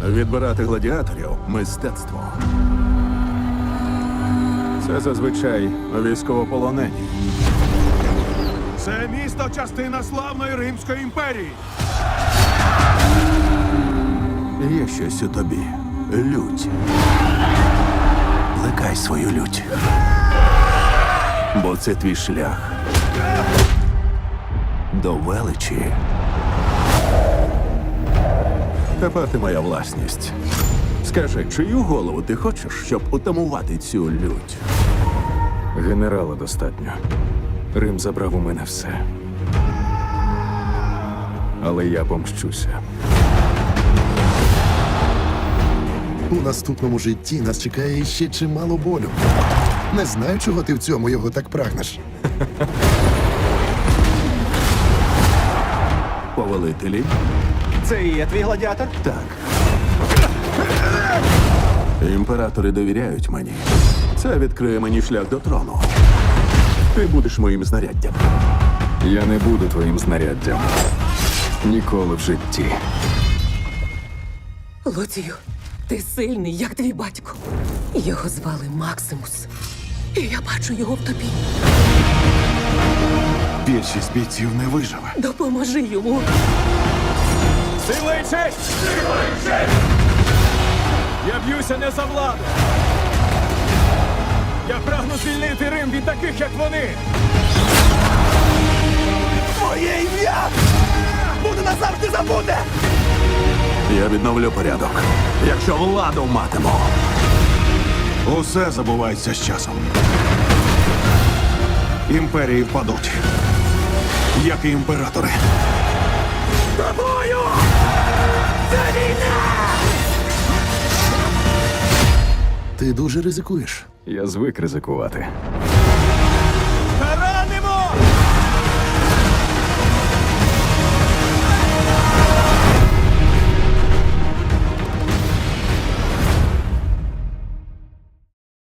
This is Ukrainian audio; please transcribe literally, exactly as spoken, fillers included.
Відбирати гладіаторів – мистецтво. Це зазвичай військовополонені. Це місто – частина славної Римської імперії. Є щось у тобі. Лють. Плекай свою лють. Бо це твій шлях до величі. Тепер ти моя власність. Скажи, чию голову ти хочеш, щоб утамувати цю лють? Генерала достатньо. Рим забрав у мене все. Але я помщуся. У наступному житті нас чекає ще чимало болю. Не знаю, чого ти в цьому його так прагнеш. Повелителі? Це і є твій гладіатор? Так. Імператори довіряють мені. Це відкриє мені шлях до трону. Ти будеш моїм знаряддям. Я не буду твоїм знаряддям. Ніколи в житті. Луцію, ти сильний, як твій батько. Його звали Максимус. І я бачу його в тобі. Більшість бійців не виживе. Допоможи йому. Сила і честь! Сила і честь! Я б'юся не за владу. Я прагну звільнити Рим від таких, як вони. Моє ім'я буде назавжди забуде! Я відновлю порядок, якщо владу матиму. Усе забувається з часом. Імперії впадуть, як і імператори. Тобою! Це війна! Ти дуже ризикуєш. Я звик ризикувати.